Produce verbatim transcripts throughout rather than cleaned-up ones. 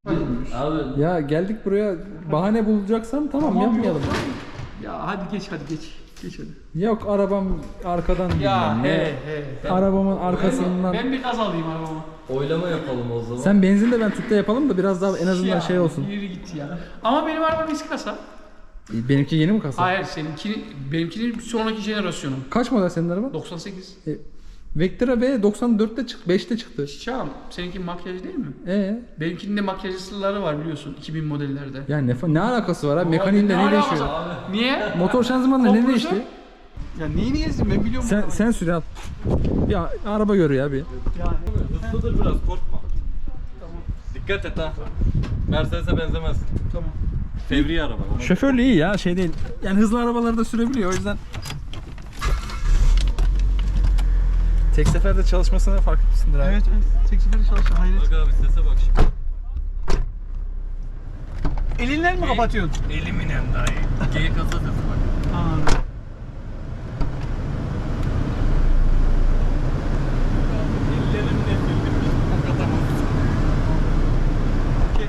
Abi Ya geldik buraya bahane bulacaksan tamam, Tamam, yapmayalım. yok. Ya hadi geç hadi geç. Geç hadi. Yok arabam arkadan Ya bilmem he ne. he. Ben, Arabamın ben, arkasından. ben bir gaz alayım arabama. oylama yapalım o zaman. Sen benzin de ben tüpte yapalım da biraz daha en azından Ya, şey olsun. Yürü git ya. Ama benim arabam eski kasa. Benimki yeni mi kasa? Hayır seninki benimkinin bir sonraki jenerasyonu. Kaç model senin araban? doksan sekiz. E, Vectra B doksan dörtte çıktı, beşte çıktı. Çağım seninki makyaj değil mi? Ee, Benimkinin de makyajlıları var biliyorsun iki bin modellerde. yani ne, ne alakası var abi? Mekaniğinde Ne ne alakası değişiyor? var? Niye? Motor şanzımanla ne Kompresör? değişti? Ya neyi niyesin ben biliyorum. Sen sen sür al. Ya araba gör ya bir. Yani. Hızlıdır biraz, korkma. Tamam. Dikkat et ha. Mercedes'e benzemez. Tamam. Fevri araba. Şoförlüğü iyi ya, şey değil. Yani hızlı arabaları da sürebiliyor, o yüzden. Tek seferde çalışmasına fark etmişsindir abi. Evet evet. Tek seferde çalışıyor hayret. Bak abi sese bak şimdi. Elinden mi kapatıyorsun? Eliminen dahi. G kasa sesi bak. Ha. Ellerimle sildim. Okey.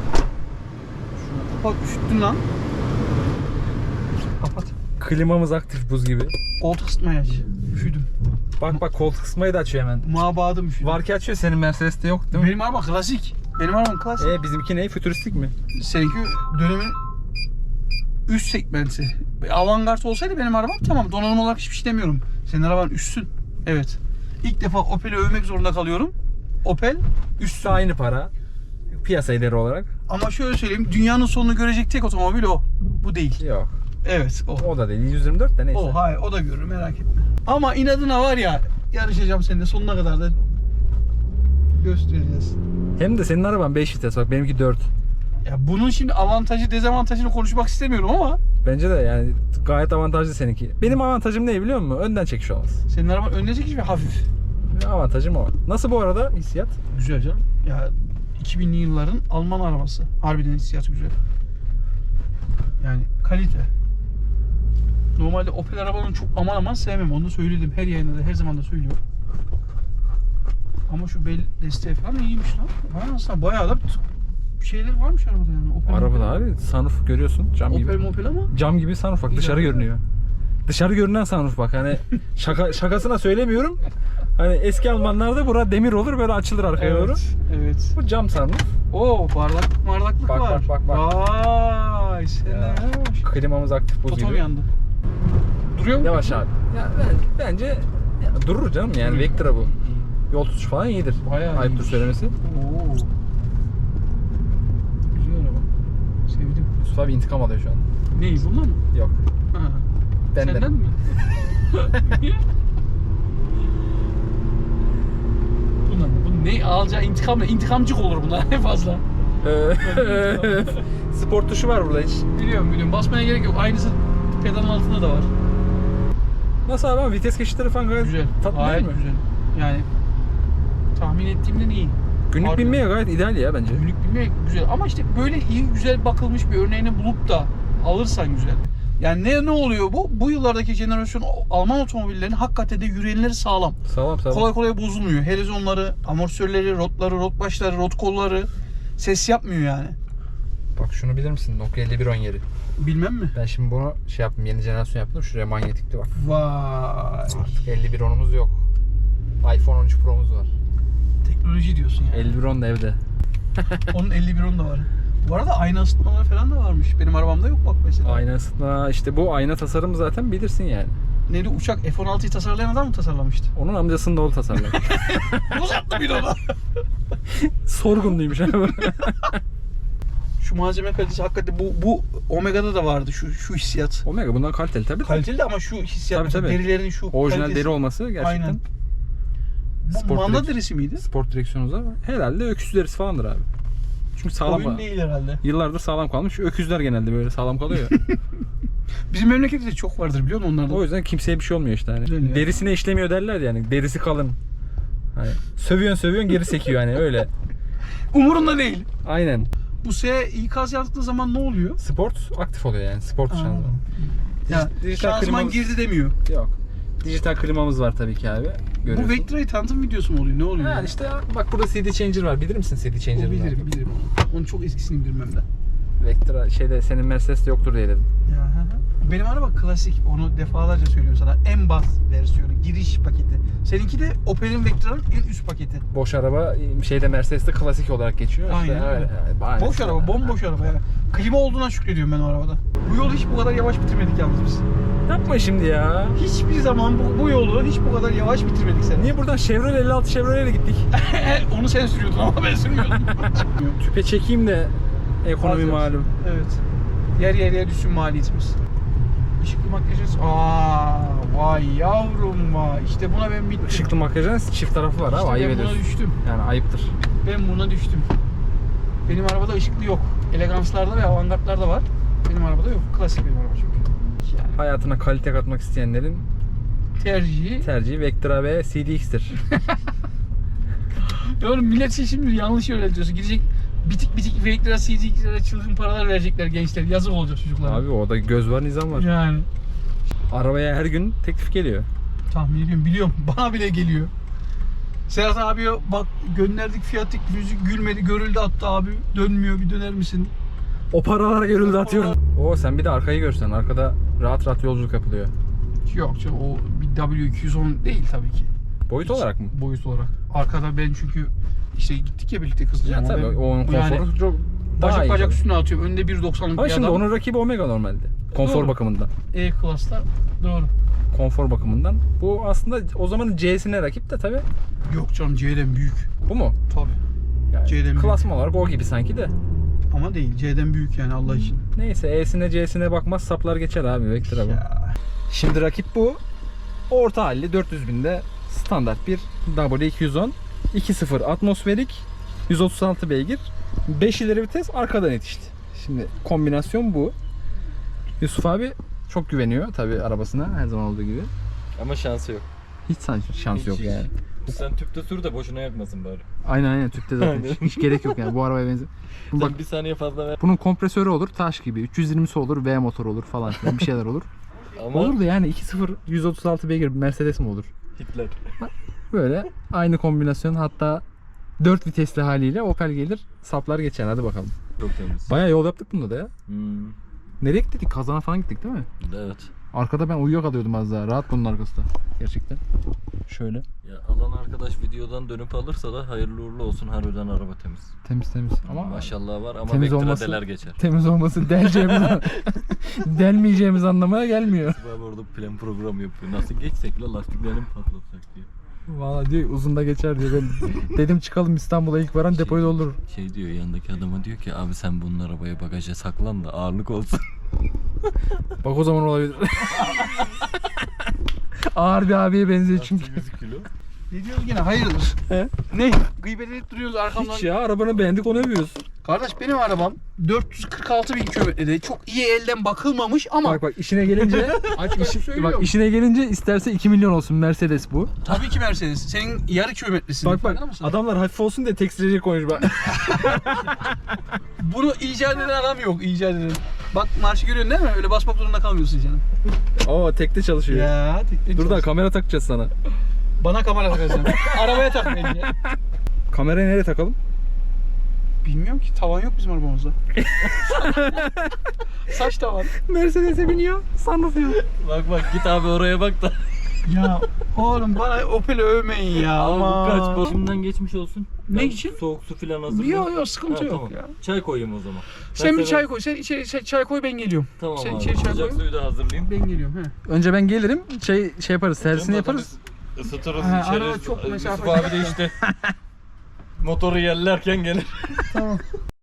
Bak üşüttün lan. Kapat. Klimamız aktif buz gibi. Koltuk ısıtmayı aç. Üşüdüm. Bak bak koltuk ısıtmayı da açıyor hemen. Mabadım üşüdüm. Var ki açıyor, senin Mercedes'te yok değil mi? Benim araba klasik. Benim arabam klasik. E bizimki ne? Fütüristik mi? Seninki dönemin üst segmenti. Avantgard olsaydı benim arabam tamam, donanım olarak hiçbir şey demiyorum. Senin araban üstsün. Evet. İlk defa Opel'i övmek zorunda kalıyorum. Opel üstsün. Aynı para. Piyasa ederi olarak. Ama şöyle söyleyeyim, dünyanın sonunu görecek tek otomobil o. Bu değil. Yok. Evet o. O da değil. yüz yirmi dört de neyse. O hayır, o da görür, merak etme. Ama inadına var ya, yarışacağım seninle sonuna kadar da göstereceğiz. Hem de senin araban beş vites, bak benimki dört. Ya bunun şimdi avantajı dezavantajını konuşmak istemiyorum ama Bence de yani gayet avantajlı seninki. Benim avantajım ne biliyor musun? Önden çekiş olmaz. senin araban önüne çekiş ve hafif. Avantajım o. Nasıl bu arada hissiyat? Güzel canım. Ya iki binli yılların Alman arabası. Harbiden hissiyatı güzel. Yani kalite. Normalde Opel arabalarını çok aman aman sevmem. Onu da söyledim. Her yayında da her zaman da söylüyorum. Ama şu bel desteği falan iyiymiş lan. Ha, aslında bayağı da şeyler varmış arabada yani. Opel, Arabada Opel. abi sunroof görüyorsun, cam Opel gibi. Mopel ama. Cam gibi sunroof bak, İyi dışarı abi. görünüyor. Dışarı görünen sunroof bak, hani şaka şakasına söylemiyorum. Hani eski Almanlarda bura demir olur, böyle açılır arkaya doğru. Evet. Evet. Bu cam sunroof. Oo, bardaklık bardaklık Bak, var. bak, bak, bak. Vay sen Ya. ne yapmış? Klimamız aktif buz Totom gibi. yandı. Duruyor mu? Yavaş abi. Ya ben, bence ya durur canım yani, Duruyor. Vectra bu. Yol tutuş falan iyidir. Bayağı Ayıptır iyiymiş. söylemesi. Oo. Güzel araba. Sevdim. Yusuf abi intikam alıyor şu an. Neyi, bundan mı? Yok. Ha. Benden. Senden mi? Bundan mı? Bu ne alacağı intikam ne? İntikamcık olur bunlar en fazla. Ee, Spor tuşu var burada hiç. Biliyorum biliyorum. Basmaya gerek yok. Aynısı pedalın altında da var. Nasıl abi, ama vites geçişleri falan gayet Güzel. tatlı değil Gayet mi? güzel. Yani tahmin ettiğimden iyi. Günlük Harbi. binmeye gayet ideal ya bence. Günlük bilmek güzel ama işte böyle iyi güzel bakılmış bir örneğini bulup da alırsan güzel. Yani ne ne oluyor bu? Bu yıllardaki jenerasyon Alman otomobillerinin hakikaten de yüreğleri sağlam. Sağlam sağlam. Kolay kolay bozulmuyor. Helezonları, amortisörleri, rotları, rot başları, rot kolları ses yapmıyor yani. Bak şunu bilir misin? Nokia elli bir on yeri. Bilmem mi? Ben şimdi bunu şey yaptım, yeni jenerasyon yaptım. Şuraya manyetikli bak. Vay. Artık elli bir onumuz yok. iPhone on üç Pro'muz var. Teknoloji diyorsun ya. elli bir on da evde. Onun elli bir on da var. Bu arada ayna ısıtmaları falan da varmış. Benim arabamda yok bak mesela. Ayna ısıtma, işte bu ayna tasarımı zaten bilirsin yani. Neydi, uçak F on altıyı tasarlayan adam mı tasarlamıştı? Onun amcasının oğlu tasarladı. Uzattı bir ona. Sorgunluymuş abi. Şu malzeme kalitesi hakikaten bu bu Omega'da da vardı şu şu hissiyat. Omega bundan kaliteli tabii. Kaliteli de ama şu hissiyat, Tabii, tabii. derilerin şu Orijinal kalitesi. deri olması gerçekten. Aynen. Bu Sport manda direkt- derisi miydi? Sport direksiyonumuz var. Herhalde öküz derisi falandır abi. Çünkü sağlam Oyun var. değil herhalde. Yıllardır sağlam kalmış. Öküzler genelde böyle sağlam kalıyor. Bizim memlekette de çok vardır biliyor musun onlardan? O yüzden kimseye bir şey olmuyor işte hani. Güzel ya. Derisine işlemiyor derler yani. Derisi kalın. Hani sövüyorsun sövüyorsun geri sekiyor hani öyle. Umurunda değil. Aynen. Bu S ikaz yaptığı zaman ne oluyor? Sport aktif oluyor yani. Sport şanzıman. Ya Dijital şanzıman klimamız- girdi demiyor. Yok. Dijital klimamız var tabii ki abi. Görüyorsun. Bu Vectra'yı tanıtım videosu mu oluyor? Ne oluyor? Yani işte bak burada C D changer var. Bilir misin C D O changer'ı? bilirim bilirim. Onun çok eskisini bilmem de. Vectra şeyde senin Mercedes'te yoktur diye dedim. Ya, hı hı. Benim araba klasik. Onu defalarca söylüyorum sana. En bas versiyonu, giriş paketi. Seninki de Opel'in Vectra'nın en üst paketi. Boş araba şeyde Mercedes'te klasik olarak geçiyor. Aynen İşte öyle. yani, aynen. Boş araba, bomboş araba yani. Klima olduğuna şükrediyorum ben o arabada. Bu yolu hiç bu kadar yavaş bitirmedik yalnız biz. Yapma şimdi ya. Hiçbir zaman bu, bu yolu hiç bu kadar yavaş bitirmedik sen. Niye buradan Chevrolet elli altı Chevrolet'e gittik? Onu sen sürüyordun ama ben sürmüyordum. Tüpe çekeyim de ekonomi Az malum. Evet. Yer yer yer düşsün maliyetimiz. Işıklı makyajınız. Aa, vay yavrum vay. İşte buna ben bittim. Işıklı makyajın çift tarafı var İşte abi, ayıp ben buna ediyorsun. düştüm. Yani ayıptır. Ben buna düştüm. Benim arabada ışıklı yok. Eleganslarda ve avantgardlarda var. Benim arabada yok. Klasik benim araba çünkü. Yani Hayatına kalite katmak isteyenlerin tercihi. tercihi Vectra ve C D X'tir. Ya oğlum millet şey şimdi yanlış öğretiyorsun. Gidecek bitik bitik Vectra C D X'lere çılgın paralar verecekler gençler. Yazık olacak çocuklara. Abi orada göz var, nizam var. Yani. Arabaya her gün teklif geliyor. Tahmin ediyorum, biliyorum. Bana bile geliyor. Serhat abiye bak gönderdik fiyatlık müzik gülmedi, görüldü attı abi. Dönmüyor, bir döner misin? O paralar görüldü atıyorum. Oo sen bir de arkayı görsen. Arkada rahat rahat yolculuk yapılıyor. Yok canım, o bir W iki yüz on değil tabii ki. Boyut Hiç olarak mı? Boyut olarak. Arkada ben çünkü işte gittik ya birlikte kızla. Ya tabii onun konforu çok daha bacak iyi. bacak tabii. üstüne atıyorum. Önde bir doksanlık Ama bir şimdi adam. onun rakibi Omega normalde. Konfor Doğru. bakımından. E-Class'ta doğru. Konfor bakımından. Bu aslında o zamanın C'sine rakip de tabii. Yok canım, C'den büyük. Bu mu? Tabii. Yani C'den büyük. klasman olarak o gibi sanki de. Ama değil, C'den büyük yani Allah için. Neyse E'sine C'sine bakmaz saplar geçer abi Vectra bu. Ya. Şimdi rakip bu. Orta halli dört yüz binde standart bir W iki yüz on. iki nokta sıfır atmosferik. yüz otuz altı beygir. beş ileri vites, arkadan yetişti. Şimdi kombinasyon bu. Yusuf abi çok güveniyor tabii arabasına her zaman olduğu gibi. Ama şansı yok. Hiç şans, şans Hiç, yok hiç. yani. Sen tüpte sür de boşuna yakmasın bari. Aynen aynen tüpte zaten hiç, hiç gerek yok yani bu arabaya benziyor. Sen Bak bir saniye fazla ver. bunun kompresörü olur taş gibi. üç yüz yirmisi olur, V motor olur falan filan bir şeyler olur. Ama Olur da yani iki nokta sıfır yüz otuz altı beygir Mercedes mi olur? Hitler. Böyle aynı kombinasyon, hatta dört vitesli haliyle Opel gelir saplar geçer, hadi bakalım. Çok temiz. Bayağı yol yaptık bunda da ya. Hmm, Nereye gittik? Kazana falan gittik değil mi? evet. Arkada ben uyuyakalıyordum az daha. Rahat bunun arkası da. Gerçekten. Şöyle. Ya alan arkadaş videodan dönüp alırsa da hayırlı uğurlu olsun, harbiden araba temiz. Temiz temiz. Ama Maşallah var ama temiz Vectra olması- deler geçer. temiz olması deleceğimiz delmeyeceğimiz anlamına gelmiyor. Abi orada plan program yapıyor. Nasıl geçsek la, lastiklerini patlatsak diye. Valla diyor uzun da geçer diyor. Ben dedim çıkalım İstanbul'a, ilk varan Şey- depoyu doldurur. Şey diyor yanındaki adama, diyor ki abi sen bunun arabaya bagaja saklan da ağırlık olsun. Bak o zaman olabilir. Ağır bir abiye benziyor çünkü. yüz kilo. Ne diyoruz gene, hayırdır? He? Ne? Gıybet edip duruyoruz arkamdan. Hiç ya, arabanı beğendik onu övüyoruz. Kardeş benim arabam dört yüz kırk altı bin kilometrede, çok iyi elden bakılmamış ama Bak bak işine gelince açık açık söylüyorum. bak işine gelince isterse iki milyon olsun Mercedes bu. Tabii ki Mercedes. Senin yarı kilometresin. Bak bak Farkında mısın? adamlar hafif olsun diye tekstilci koymuş bak. Bunu icat eden adam yok, icat eden. Bak marşı görüyorsun değil mi? Öyle basmak zorunda kalmıyorsun canım. Oo tekte çalışıyor. Ya, tek Dur da kamera takacağız sana. Bana kamera takacaksın. Arabaya tak bence. Kamerayı nereye takalım? Bilmiyorum ki, tavan yok bizim arabamızda. Saç tavan. Mercedes'e biniyor, sunroof yok. Bak bak git abi oraya bak da. Ya oğlum bana Opel'i övmeyin ya. Abi bu Ama kaç bu? Şimdiden geçmiş olsun. Ne Ben için? Soğuk su falan hazırlayayım. Yok yok, sıkıntı Ha, yok tamam. ya. Çay koyayım o zaman. Sen Ben bir sana- çay koy. Sen içeri sen çay koy, ben geliyorum. Tamam Sen abi. içeri çay Sıcak koy. suyu da hazırlayayım. Ben geliyorum he. Önce ben gelirim, şey şey yaparız, servisini Canım yaparız. zaten Isıtırız, Ha, içeriz. arada çok Yusuf mesafe- abi de işte motoru yerlerken gelir. Tamam.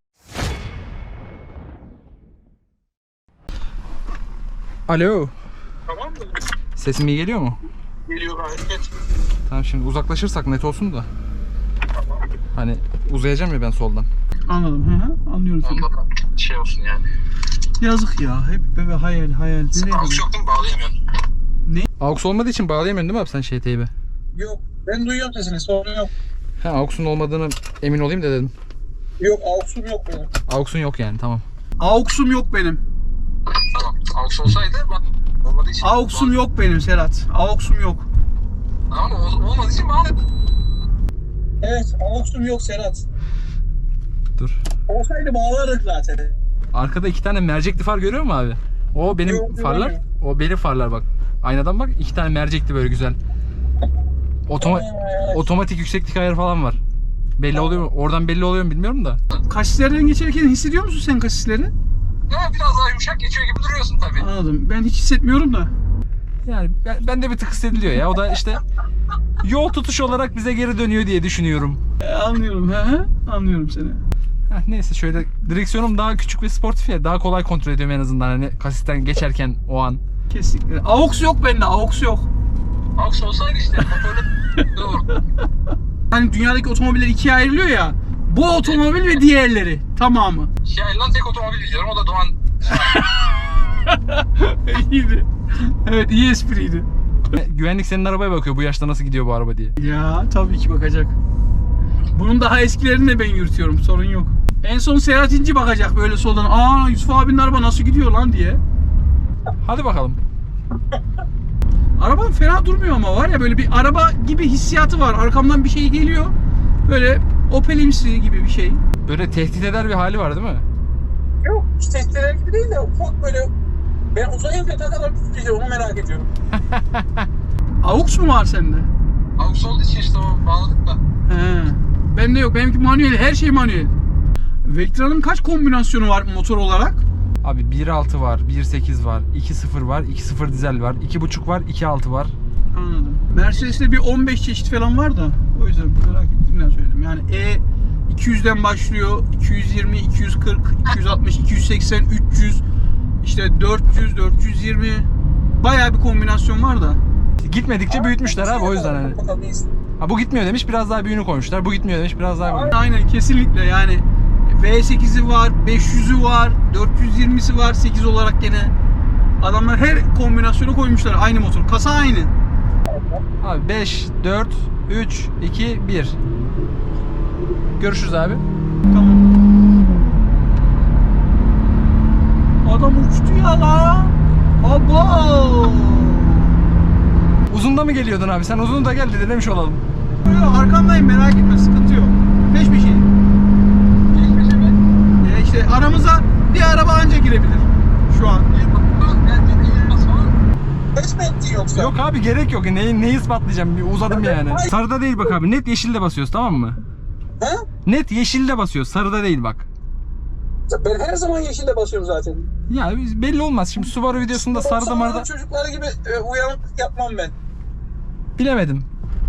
Alo. Tamam mı? Sesim iyi geliyor mu? Geliyor gayet net. Tamam, şimdi uzaklaşırsak net olsun da. Hani uzayacağım ya ben soldan. Anladım. Hı hı. Anlıyorum seni. Anladım. Şey olsun yani. Yazık ya. Hep böyle hayal hayal. Nereye Aux gidiyor? yok değil mi? Bağlayamıyorsun. Aux olmadığı için bağlayamıyorsun değil mi abi sen şey teybi? Yok. Ben duyuyorum sesini. Sorun yok. Ha, Aux'un olmadığını emin olayım da dedim. Yok. Aux'um yok benim. Aux'un yok yani, tamam. Aux'um yok benim. Tamam. Aux olsaydı bak. Olmadığı için. Aux'um yok benim Serhat. Aux'um yok. Tamam mı? Ol- Olmadığı için bağlı. Evet. Aux'um yok Serhat. Dur. Olsaydı bağlardık zaten. Arkada iki tane mercekli far görüyor musun abi? O benim Yok, farlar. görmüyorum. O benim farlar bak. Aynadan bak, iki tane mercekli böyle güzel. Otoma otomatik yükseklik ayarı falan var. Belli oluyor mu? Oradan belli oluyor mu bilmiyorum da. Kasislerden geçerken hissediyor musun sen kasisleri? Ya biraz daha yumuşak geçiyor gibi duruyorsun tabii. Anladım. Ben hiç hissetmiyorum da. Yani ben, ben de bir tık hissediliyor ya. O da işte yol tutuş olarak bize geri dönüyor diye düşünüyorum. E, anlıyorum. He he. Anlıyorum seni. Heh, neyse şöyle direksiyonum daha küçük ve sportif ya. Daha kolay kontrol ediyorum en azından hani kasisten geçerken o an. Kesinlikle. AUX yok bende. AUX yok. Aks olsaydı işte motorlu doğru. Hani dünyadaki otomobiller ikiye ayrılıyor ya. Bu otomobil ve diğerleri. Tamamı. Şey lan tek otomobil biliyorum o da Doğan. İyiydi. Evet, iyi espriydi. Güvenlik senin arabaya bakıyor bu yaşta nasıl gidiyor bu araba diye. Ya tabii ki bakacak. Bunun daha eskilerini de ben yürütüyorum. Sorun yok. En son Serhat İnci bakacak böyle soldan. Aa, Yusuf abinin araba nasıl gidiyor lan diye. Hadi bakalım. Araban fena durmuyor ama var ya, böyle bir araba gibi hissiyatı var. Arkamdan bir şey geliyor. Böyle Opel'imsi gibi bir şey. Böyle tehdit eder bir hali var değil mi? Yok, hiç testler gibi değil de ufak böyle, ben uzayınca ne kadar tutacağım onu merak ediyorum. AUX mu var sende? Aks olduğu için işte o bağladık da. He. Bende yok. Benimki manuel. Her şey manuel. Vectra'nın kaç kombinasyonu var motor olarak? Abi bir altı var, bir sekiz var, iki sıfır var, iki sıfır dizel var, iki buçuk var, iki altı var. Anladım. Mercedes'te bir on beş çeşit falan var da o yüzden merak ettiğimden söyledim. Yani E iki yüzden başlıyor. iki yüz yirmi, iki yüz kırk, iki yüz altmış, iki yüz seksen, üç yüz, işte dört yüz, dört yüz yirmi, bayağı bir kombinasyon var da. Gitmedikçe büyütmüşler abi o yüzden hani. Bakalım iyisin. Ha bu gitmiyor demiş biraz daha büyüğünü koymuşlar. Bu gitmiyor demiş biraz daha büyüğünü. Aynen, kesinlikle yani. V sekizi var, beş yüzü var, dört yüz yirmisi var, sekiz olarak gene. Adamlar her kombinasyonu koymuşlar, aynı motor. Kasa aynı. Abi beş, dört, üç, iki, bir. Görüşürüz abi. Tamam. Adam uçtu ya la. Abo. Uzunda mı geliyordun abi? Sen uzun da gel dedi demiş olalım. Yok, arkandayım, merak etme, sıkıntı yok. Peş peşeyim. Geçmişe mi? Ee, işte aramıza bir araba anca girebilir şu an. Bence de yılmaz falan. Kaç mı ettin yoksa? Yok abi gerek yok. Neyi, neyi ispatlayacağım? Bir uzadım yani. Sarıda değil bak abi. Net yeşilde basıyoruz tamam mı? Ha? Net yeşilde basıyoruz. Sarıda değil bak. Ben her zaman yeşilde basıyorum zaten. Ya belli olmaz. Şimdi Subaru videosunda sarıda Sonradan marada çocukları gibi e, uyanık yapmam ben. bilemedim.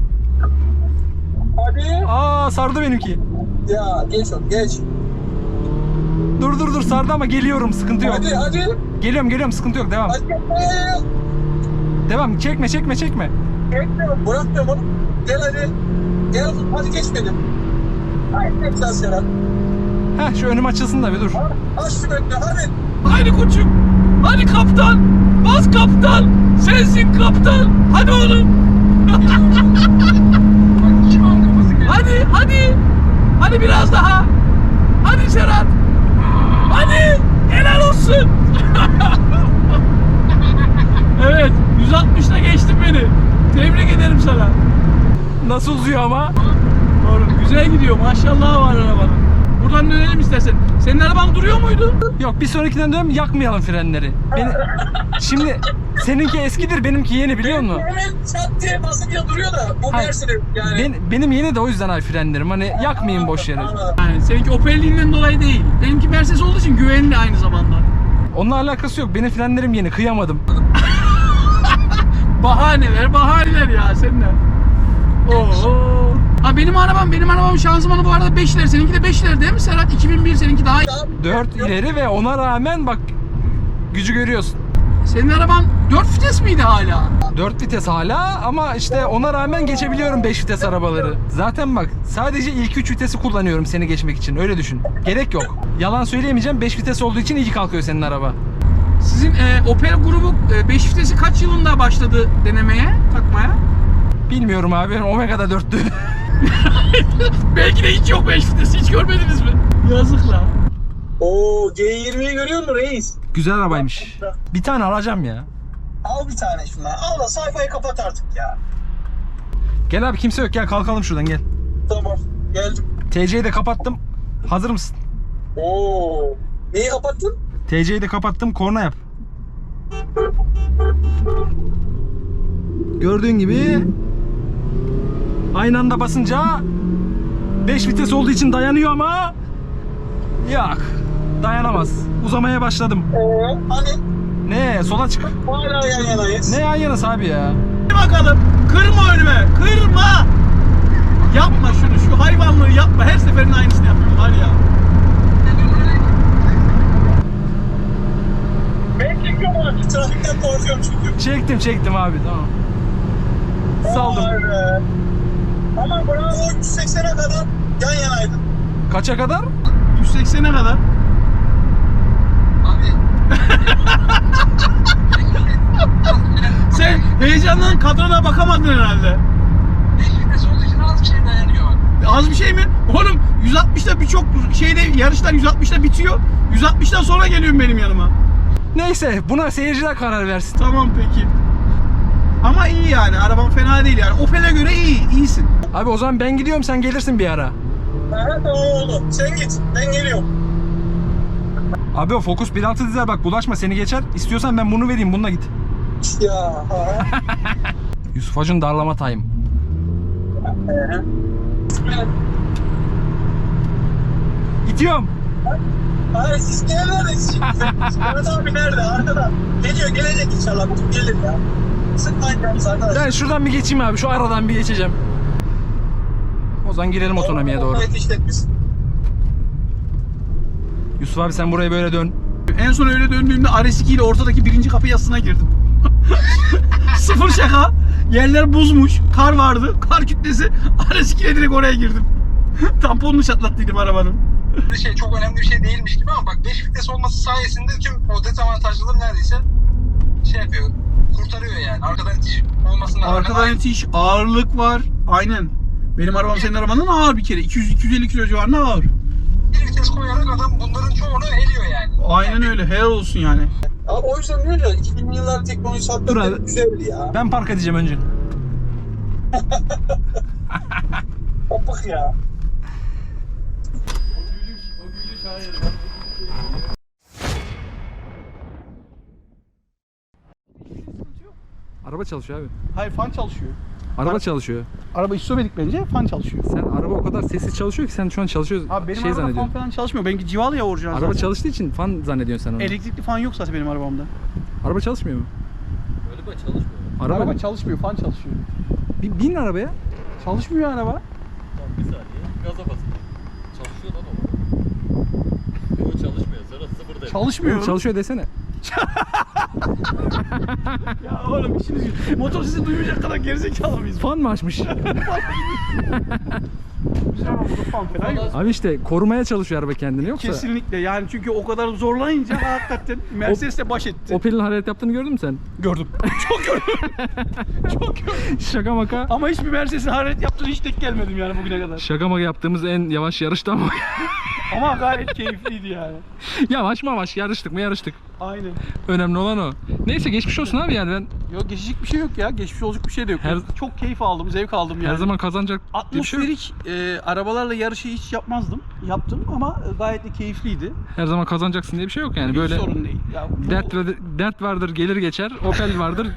Hadi. Aa sardı benimki. Ya geç ol, geç. Dur dur dur sardı ama geliyorum sıkıntı yok. Hadi hadi. Geliyorum geliyorum sıkıntı yok devam. Hadi. Hadi. Devam çekme çekme çekme. Bekliyorum, bırakmıyorum onu. Gel hadi. Gel, hadi geç benim. Haydi güzel Serhat. Heh şu önüm açılsın da bir dur. Aç şu önünü, hadi. Hadi koçum. Hadi kaptan. Bas kaptan. Sensin kaptan. Hadi oğlum. Bak kim aldı kafası geldi. Hadi hadi. Hadi biraz daha. Hadi Serhat. Hadi. Helal olsun. Evet. yüz altmışta geçtin beni. Tebrik ederim sana. Nasıl uzuyor ama? Doğru. Güzel gidiyor. Maşallah var arabanın. Buradan dönelim istersen. Senin araban duruyor muydu? Yok bir sonrakinden dönelim yakmayalım frenleri. Beni... Şimdi seninki eskidir benimki yeni biliyor musun? Hemen çat diye basınca duruyor da bu Hayır. Mercedes yani. Ben, benim yeni de o yüzden ay frenlerim. Hani yakmayayım boş yere. Anladım. Yani seninki Opel'liğinden dolayı değil. Benimki Mercedes olduğu için güvenli aynı zamanda. Onunla alakası yok. Benim frenlerim yeni. Kıyamadım. Bahaneler, bahaneler ya sen de. Oo. Ha benim arabam, benim arabam şanzımanı bu arada beşler. Seninki de beşler değil mi Serhat? iki bin bir seninki daha iyi. dört ileri ve ona rağmen bak gücü görüyorsun. Senin araban dört vites miydi hala? dört vites hala ama işte ona rağmen geçebiliyorum beş vites arabaları. Zaten bak sadece ilk üç vitesi kullanıyorum seni geçmek için. Öyle düşün. Gerek yok. Yalan söyleyemeyeceğim. beş vites olduğu için iyi kalkıyor senin araba. Sizin e, Opel grubu beş vitesi kaç yılında başladı denemeye, takmaya? Bilmiyorum abi. Benim Omega'da dörttü. Belki de hiç yok beş vitesi, hiç görmediniz mi? Yazık la. Oo, G yirmiyi görüyor musun reis? Güzel arabaymış. Bir tane alacağım ya. Al bir tane şundan. Al da sayfayı kapat artık ya. Gel abi kimse yok. Gel kalkalım şuradan gel. Tamam, geldim. T C'yi de kapattım. Hazır mısın? Oo. Neyi kapattın? T C'yi de kapattım. Korna yap. Gördüğün gibi aynı anda basınca beş vites olduğu için dayanıyor ama yok. Dayanamaz. Uzamaya başladım. Ee, hani Ne? Sola çık. hala yan yanayız. Ne yan yanası abi ya? Bakalım. Kırma önüme. Kırma. Yapma şunu. Şu hayvanlığı yapma. Her seferinde aynısını yapıyorum var ya. Ben çekiyorum abi. Trafikten korkuyorum çünkü. Çektim çektim abi tamam. Saldım. Vay be. Ama bravo üç yüz seksene kadar yan yanaydın. Kaça kadar? yüz seksene kadar. Abi. Sen heyecandan kadrona bakamadın herhalde. beş vites olduğu için az bir şey dayanıyor. Az bir şey mi? Oğlum yüz altmışta birçok şeyde yarışlar yüz altmışta bitiyor. yüz altmıştan sonra geliyorum benim yanıma. Neyse buna seyirciler karar versin. Tamam peki. Ama iyi yani. Arabam fena değil yani. Opel'e göre iyi. İyisin. Abi o zaman ben gidiyorum sen gelirsin bir ara. Evet tamam oldu. Sen git. Ben geliyorum. Abi o Focus bir altı dizel bak bulaşma seni geçer. İstiyorsan ben bunu vereyim bununla git. Ya. Ha. Yusuf Hacı'nın darlama time. Ee. İtiyorum. Hayır siz neredeyiz şimdi? Mehmet abi nerede? Arkada. Geliyor gelecek inşallah. Bugün gelir ya. Sıkmayın yalnız arkadaşlar. Ben şuradan bir geçeyim abi şu aradan bir geçeceğim. O zaman girelim otonomiye doğru. Evet işletmiş. Yusuf abi sen buraya böyle dön. En son öyle döndüğümde R S iki ile ortadaki birinci kapı yasına girdim. Sıfır şaka. Yerler buzmuş. Kar vardı. Kar kütlesi. R S iki ile direkt oraya girdim. Tamponunu çatlattıydım arabanın. Bir şey çok önemli bir şey değilmiş gibi ama bak beş vites olması sayesinde tüm o dezavantajları neredeyse şey yapıyor. Kurtarıyor yani. Arkadan itiş olmasına rağmen. Arkadan itiş, ağırlık var. Aynen. Benim arabam senin arabandan ağır bir kere. iki yüz iki yüz elli kilo civarında ağır. Bir vites koyarak adam bunların çoğunu eliyor yani. Aynen öyle. Helal olsun yani. Abi o yüzden diyor ya iki binli yıllar teknolojisi Dur hakikaten abi. güzeldi ya. Ben park edeceğim önce. Opuk ya. Araba çalışıyor abi. Hayır, fan çalışıyor. Araba Ar- çalışıyor. Araba istomedik bence, fan çalışıyor. Sen araba o kadar sessiz çalışıyor ki sen şu an çalışıyorsun. Abi benim şey araba fan zannediyorsun. falan çalışmıyor. Benimki civalı ya orijinal Araba zaten. çalıştığı için fan zannediyorsun sen onu. Elektrikli fan yok zaten benim arabamda. Araba çalışmıyor mu? Öyle böyle çalışmıyor. Araba, Araba çalışmıyor, fan çalışıyor. Bir bin arabaya. Çalışmıyor araba. Tamam bir saniye. Gaza basın. Çalışıyor lan o. Yok çalışmıyor. Sonra sıfırdayım. Çalışmıyor. Oğlum çalışıyor desene. Ya oğlum işiniz yok. Motor sesi duymayacak kadar gerizekalı mıyız? Fan mı açmış? Bizim arabamda fan falan yok. Abi işte korumaya çalışıyor araba kendini yoksa. Kesinlikle yani çünkü o kadar zorlayınca hakikaten Mercedes'le baş etti. Opel'in hareket yaptığını gördün mü sen? Gördüm. Çok gördüm. Çok gördüm. Şaka maka. Ama hiçbir Mercedes'in hararet yaptığını hiç denk gelmedim yani bugüne kadar. Şaka maka yaptığımız en yavaş yarıştı ama. Ama gayet keyifliydi yani. Yavaş mavaş yarıştık mı yarıştık. Aynen. Önemli olan o. Neyse geçmiş olsun abi yani ben Yok geçecek bir şey yok ya. Geçmiş olacak bir şey de yok. Her- Çok keyif aldım, zevk aldım yani. her zaman kazanacak diye bir şey yok. atmosferik e, arabalarla yarışı hiç yapmazdım. Yaptım ama gayet de keyifliydi. Her zaman kazanacaksın diye bir şey yok yani Hiç böyle. sorun değil. Ya, bu- Dert, dert vardır gelir geçer. Opel vardır.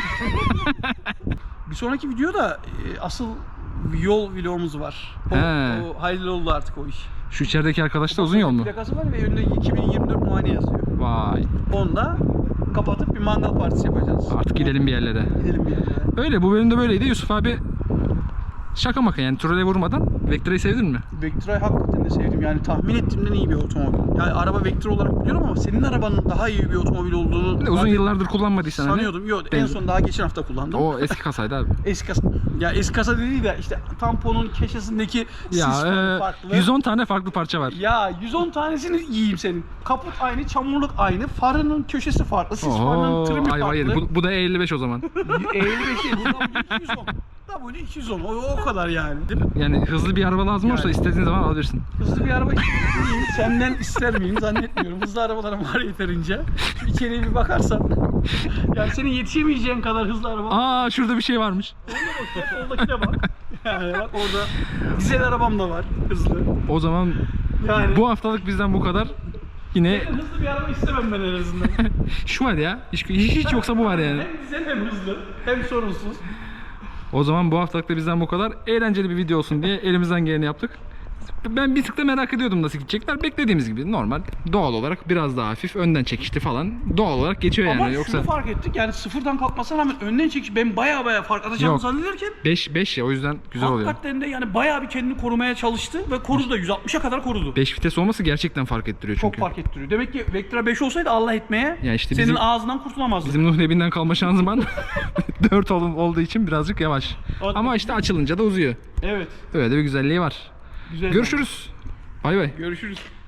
Bir sonraki videoda e, asıl yol vlogumuz var. O, He. o hayırlı oldu artık o iş. Şu içerideki arkadaş da uzun yol mu? Plakası var ve önünde iki bin yirmi dört muayene yazıyor. Vay. Onda kapatıp bir mangal partisi yapacağız. Artık gidelim bir yerlere. Gidelim bir yerlere. Öyle bu bölümde böyleydi. Yusuf abi şaka maka yani trole vurmadan. Vectra'yı sevdin mi? Vectra'yı hakikaten de sevdim. Yani tahmin ettiğimden iyi bir otomobil. Yani araba Vectra olarak biliyorum ama senin arabanın daha iyi bir otomobil olduğunu Bir de uzun ben yıllardır kullanmadıysan hani. sanıyordum. Yok en Ben- son daha geçen hafta kullandım. O eski kasaydı abi. Eski kasa. Ya eski kasa dediği de işte tamponun köşesindeki Ya sis e, farklı. yüz on tane farklı parça var. Ya yüz on tanesini yiyeyim senin. Kaput aynı, çamurluk aynı, farının köşesi farklı, sis farının Oho, trimi ayva yedi. farklı. Bu, bu da E elli beş o zaman. elli beş değil, bu W iki yüz on. W iki yüz on, o, o kadar yani. Değil mi? Yani hızlı bir araba lazım olursa Yani. istediğin zaman alabilirsin. Hızlı bir araba isteyeyim, senden ister miyim zannetmiyorum. Hızlı arabalarım var yeterince. Şu içeriye bir bakarsan. Yani senin yetişemeyeceğin kadar hızlı araba. Aa şurada bir şey varmış. Soldakine bak. Yani bak orada dizel arabam da var hızlı. O zaman Yani Bu haftalık bizden bu kadar. Yine hızlı bir araba istemem ben en azından. şu var ya. Hiç, hiç yoksa bu var yani. Hem güzel hem hızlı hem sorunsuz. O zaman bu haftalık da bizden bu kadar. Eğlenceli bir video olsun diye elimizden geleni yaptık. Ben bir tık da merak ediyordum nasıl gidecekler. Beklediğimiz gibi normal, doğal olarak biraz daha hafif önden çekişli falan doğal olarak geçiyor yani. Ama Yoksa şunu fark ettik, yani sıfırdan kalkmasına rağmen önden çekiş ben baya baya fark atacağımı Yok. zannederken beş beş ya, o yüzden güzel oluyor. hakikaten de yani bayağı bir kendini korumaya çalıştı ve korudu da yüz altmışa kadar korudu. beş vites olması gerçekten fark ettiriyor Çok çünkü. fark ettiriyor. Demek ki Vectra beş olsaydı Allah etmeye Ya işte senin bizim- ağzından kurtulamazdı. Bizim Nuh Nebi'nden kalma şanzıman dört olduğu için birazcık yavaş. Hadi. Ama işte açılınca da uzuyor. Evet. Öyle de bir güzelliği var. Güzel. Görüşürüz. Bay bay. Görüşürüz.